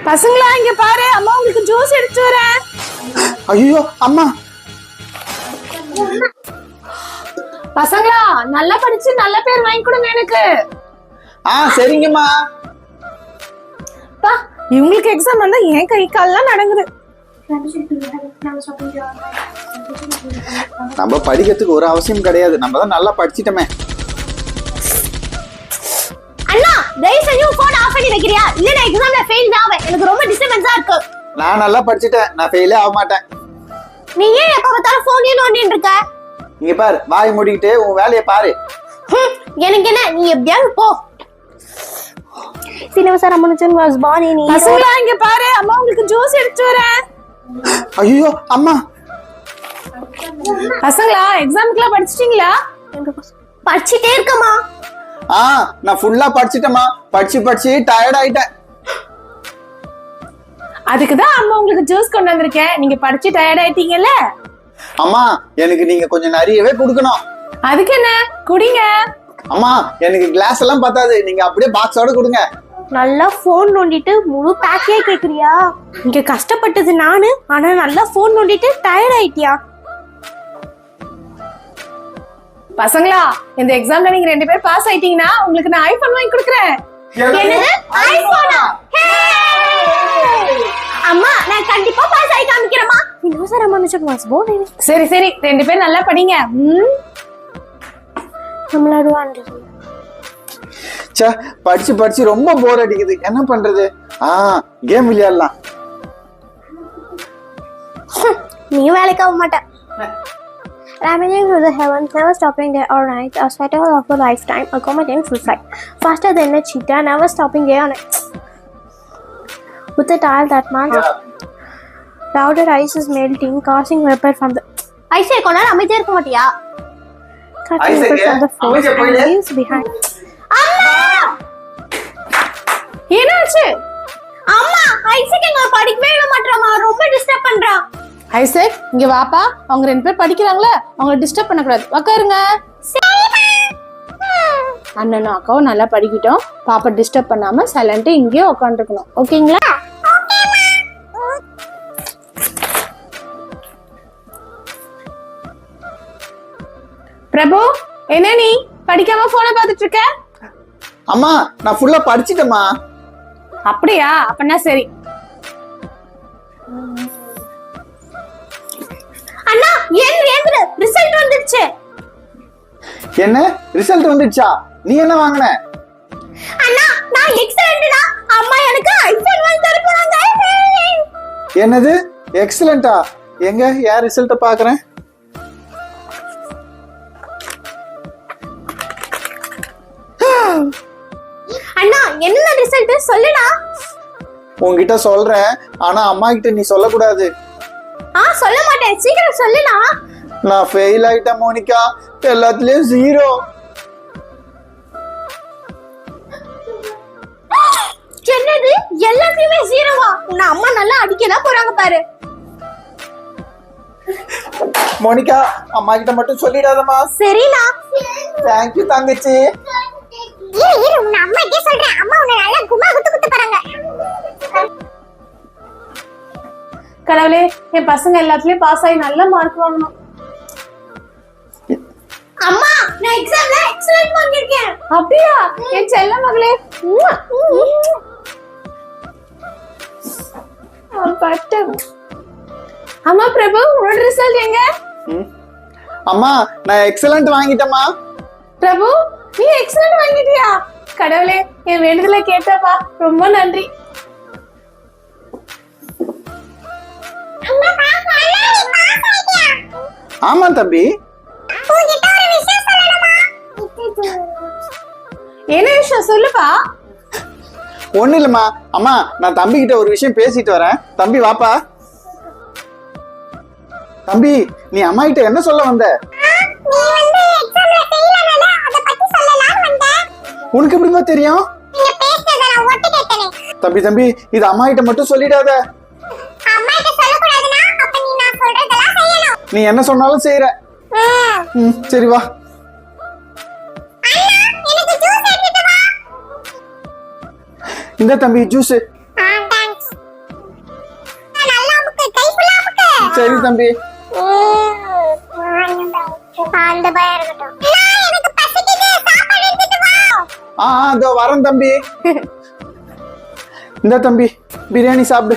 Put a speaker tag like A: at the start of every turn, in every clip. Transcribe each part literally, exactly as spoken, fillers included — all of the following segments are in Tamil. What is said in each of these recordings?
A: பசங்களா இங்க பாரு, அம்மா உங்களுக்கு ஜூஸ் எடுத்து வரேன்.
B: ஐயோ அம்மா.
A: பசங்களா நல்லா படிச்சு நல்ல பேர் வாங்கி கொடுங்க எனக்கு.
B: ஆ சரிங்கம்மா.
A: பா இவங்களுக்கு எக்ஸாம் வந்தா என் கை கால்லாம் நடங்குது.
B: நம்ம படிக்கிறதுக்கு ஒரு அவசியம் கிடையாது, நம்ம தான் நல்லா படிச்சிட்டோமே.
C: அண்ணா தயவு செஞ்சு போன் ஆஃப் பண்ணி வைக்கிறியா? இல்ல நான் எக்ஸாம்ல ஃபெயில் தான் ஆவேன். எனக்கு ரொம்ப டிஸ்டர்பன்ஸா இருக்கு.
B: நான் நல்லா படிச்சிட்டேன், நான் ஃபெயிலே ஆக மாட்டேன்.
C: நீ ஏன் எப்ப பார்த்தாலும் போனே நோண்டிட்டு இருக்க?
B: இங்க பாரு, வாய் மூடிக்கிட்டு உன் வேலையை பாரு.
C: எனக்கு என்ன, நீ எப்படியாவது போ. Cinema Ramanan was born in
A: பசங்களா இங்க பாரு, அம்மா உங்களுக்கு ஜூஸ் எடுத்து வரேன்.
B: ஐயோ அம்மா.
A: பசங்களா எக்ஸாம்க்குலாம் படிச்சிட்டீங்களா?
C: படிச்சிட்டே இருக்கமா.
B: ஆ நான் ஃபுல்லா படிச்சிட்டேம்மா, படிச்சு படிச்சு டயர்ட் ஆயிட்டேன்.
A: அதுக்கு தான் அம்மா உங்களுக்கு ஜூஸ் கொண்டு வந்திருக்கேன். நீங்க படிச்சு டயர்ட் ஆயிட்டீங்கல்ல?
B: அம்மா எனக்கு நீங்க கொஞ்சம் நிறையவே கொடுக்கணும்.
A: அதுக்கு என்ன, குடிங்க.
B: அம்மா எனக்கு கிளாஸ் எல்லாம் பத்தாது, நீங்க அப்படியே பாக்ஸோட கொடுங்க.
C: நல்லா போன் நோண்டிட்டு முழு பேக்கே கேக்குறியா? இங்க கஷ்டப்பட்டது நானு, ஆனா நல்லா போன் நோண்டிட்டு டயர்ட் ஆயிட்டியா?
A: பசங்களா இந்த எக்ஸாம்ல நீங்க ரெண்டு பேர் பாஸ் ஆயிட்டீங்கன்னா உங்களுக்கு நான் ஐபோன் வாங்கி கொடுக்குறேன்.
C: என்னது ஐபோனா? அம்மா நான் கண்டிப்பா பாஸ் ஆகி காமிக்கிறேம்மா. Cinema Ramanan was born in
A: சரி சரி ரெண்டு பேர் நல்லா படிங்க. ம்
C: நம்மளோட வாண்டு.
B: ச்சே படிச்சு படிச்சு ரொம்ப போர் அடிக்குது, என்ன பண்றது? ஆ கேம் விளையாடலாம்.
C: நீ வேலைக்கு ஆக மாட்ட. Traveling through the heavens, never stopping day or night, a spectacle of a lifetime, accommodating full flight, faster than a cheetah, never stopping day or night. With a tile that man, powder ice is melting, causing vapor from the ice. Hey, konar அமைதியா இருக்க மாட்டியா? Cutting vapor from the force and leaves behind. அம்மா!
A: என்னாச்சு?
C: அம்மா, ஐசக் எங்க படிக்கவே இல்ல மாட்டறாமா, ரொம்ப டிஸ்டர்ப் பண்றா.
A: ஐசக் இங்க வாப்பா, அவங்க ரெண்டு பேர் படிக்கிறாங்களே, அவங்கள டிஸ்டர்ப் பண்ண கூடாது. உட்காருங்க. அண்ணனும் அக்காவும் நல்லா படிக்கிட்டோம், பாப்பா டிஸ்டர்ப் பண்ணாம சைலண்டா இங்கேயே உட்காந்துருக்கணும். ஓகேங்களா? பிரபு என்ன நீ படிக்காம போனை பார்த்துட்டு இருக்க?
B: அம்மா நான் ஃபுல்லா படிச்சிட்டேம்மா.
A: அப்படியா? அப்பனா சரி.
C: அண்ணா ஏன் ஏந்திர, ரிசல்ட் வந்துருச்சு.
B: என்ன ரிசல்ட் வந்துச்சா? நீ என்ன வாங்குன?
C: அண்ணா நான் எக்ஸலென்ட்டா, அம்மா எனக்கு ஐபோன் வாங்கி தர போறாங்க.
B: என்னது எக்ஸலென்ட்டா? எங்க யார் ரிசல்ட்ட பாக்குறேன்?
C: அண்ணா என்ன ரிசல்ட் சொல்லுடா.
B: உன்கிட்ட சொல்றேன், ஆனா அம்மா கிட்ட நீ சொல்லக்கூடாது.
C: ஆ சொல்ல மாட்டேன், சீக்கிரம் சொல்லுடா.
B: நான் ஃபெயில் ஆயிட்டேன் மோனிகா, எல்லாத்துலயும் ஜீரோ.
C: என்னது எல்லாத்தையுமே ஜீரோவா? உன்னை அம்மா நல்லா அடிக்கதான் போறாங்க பாரு.
B: மோனிகா அம்மா கிட்ட மட்டும் சொல்லிடாதம்மா.
C: சரிண்ணா.
B: தேங்க் யூ தங்கச்சி.
C: இரு இரு, உன்னை அம்மா கிட்ட சொல்றேன், அம்மா உன்னை நல்லா கும்மா குத்து குத்து போறாங்க.
A: கடவுளே, என் பசங்க எல்லாத்துலயும் பாஸ் ஆகி நல்ல மார்க் வாங்கணும்.
C: அம்மா நான் எக்ஸாம்ல எக்ஸலென்ட் வாங்கிருக்கேன்.
A: அப்படியா? என் செல்ல மகளே. பட்டு அம்மா பிரபு உன்னோட ரிசல்ட் எங்க?
B: அம்மா நான் எக்ஸலென்ட் வாங்கிட்டேம்மா.
A: பிரபு நீ எக்ஸலென்ட் வாங்கிட்டியா? கடவுளே என் வேண்டுதலை கேட்டப்பா, ரொம்ப நன்றி.
B: ஆமா தம்பி.
A: என்ன விஷயம் சொல்லுப்பா.
B: ஒண்ணு இல்லம்மா, அம்மா நான் தம்பி கிட்ட ஒரு விஷயம் பேசிட்டு வரேன். தம்பி வாப்பா. தம்பி நீ அம்மா கிட்ட என்ன சொல்ல வந்த? உனக்கு எப்படிமா தெரியும்? தம்பி தம்பி இது அம்மா கிட்ட மட்டும் சொல்லிடாத. நீ என்ன சொன்னாலும் செய்யற. சரி வா. இந்த தம்பி ஜூஸ். சரி தம்பி.
C: அந்த பயம் இருக்கட்டும். எனக்கு பசிக்குது, சாப்பாடு எடுத்துட்டு வா.
B: ஆ ஆ, இதோ வரேன் தம்பி. இந்த தம்பி பிரியாணி சாப்பிடு.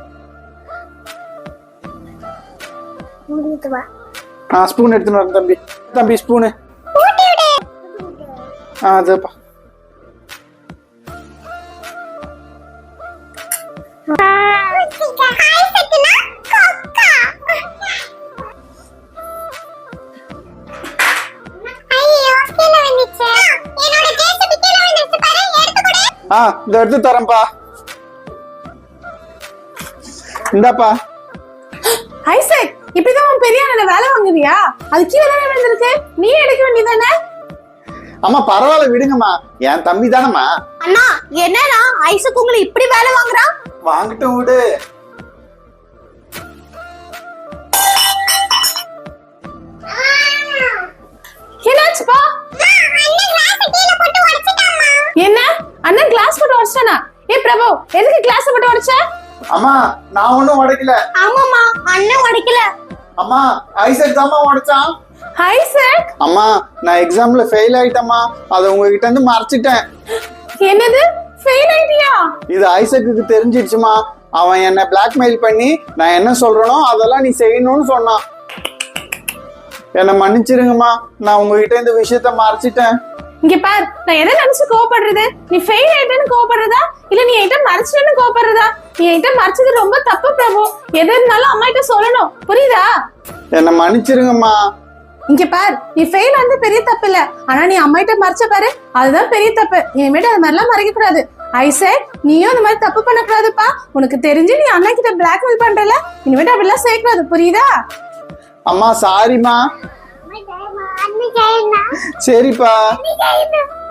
C: முடித்து வா.
B: ஆ ஸ்பூன் எடுத்துன்னு வரேன் தம்பி. தம்பி ஸ்பூனு.
C: ஊட்டி விடு.
B: ஆ அதப்பா.
C: ஹாய் சத்னா கொக்கா. ஐயோ கீழ வந்துச்சு. என்னோட ஜேசிபி கீழ வந்துச்சு பாரு, எடுத்து கொடு.
B: ஆ இதை எடுத்து தரேன்ப்பா. இந்தாப்பா.
A: ஐசக், இப்படிதான் உன் பெரிய அண்ணனை வேலை வாங்குவியா? அது கீழே தானே விழுந்திருக்கு, நீ எடுக்க வேண்டியதானே?
B: அம்மா பரவாயில்ல விடுங்கம்மா, என் தம்பி தானம்மா.
C: அண்ணா என்னடா ஐசக் உங்களை இப்படி வேலை வாங்குறான்?
B: வாங்கிட்டோம் விடு.
A: என்னாச்சுப்பா? என்ன அண்ணன் கிளாஸ் போட்டு உடைச்சானா? ஏ பிரபு, எதுக்கு கிளாஸ் போட்டு உடைச்ச?
B: அம்மா நான் ஒண்ணும் உடைக்கல.
C: ஆமாமா அண்ணன் உடைக்கல.
B: அம்மா ஐசக் தாம்மா உடைச்சான்.
A: ஐசக்,
B: அம்மா நான் எக்ஸாம்ல ஃபெயில் ஆயிட்டேம்மா, அதை உங்ககிட்ட இருந்து மறைச்சிட்டேன்.
A: என்னது ஃபெயில் ஆயிட்டியா?
B: இது ஐசக்கு தெரிஞ்சிடுச்சுமா. அவன் என்ன பிளாக்மெயில் பண்ணி நான் என்ன சொல்றேனோ அதெல்லாம் நீ செய்யணும்னு சொன்னான். என்னை மன்னிச்சிருங்கம்மா, நான் உங்ககிட்ட இந்த விஷயத்த மறைச்சிட்டேன்.
A: இங்க பார், நான் எதை நினைச்சு கோவப்படுறது? நீ ஃபெயில் ஆயிட்டேன்னு கோவப்படுறதா, இல்ல நீ என்கிட்ட மறைச்சிட்டேன்னு கோவப்படுறதா? நீ என்கிட்ட மறைச்சது ரொம்ப தப்பு பிரபு. எது இருந்தாலும் அம்மா கிட்ட சொல்லணும், புரியுதா?
B: என்னை மன்னிச்சிருங்கம்மா.
A: இங்க பார், நீ ஃபெயில் வந்து பெரிய தப்பு இல்ல, ஆனா நீ அம்மா கிட்ட மறைச்ச பாரு, அதுதான் பெரிய தப்பு. இனிமேட்டு அது மாதிரிலாம் மறைக்க கூடாது. ஐசக், நீயும் அந்த மாதிரி தப்பு பண்ணக்கூடாதுப்பா. உனக்கு தெரிஞ்சு நீ அண்ணா கிட்ட பிளாக்மெயில் பண்றல, இனிமேட்டு அப்படிலாம் செய்யக்கூடாது, புரியுதா?
B: அம்மா சாரிம்மா. சரிப்பா.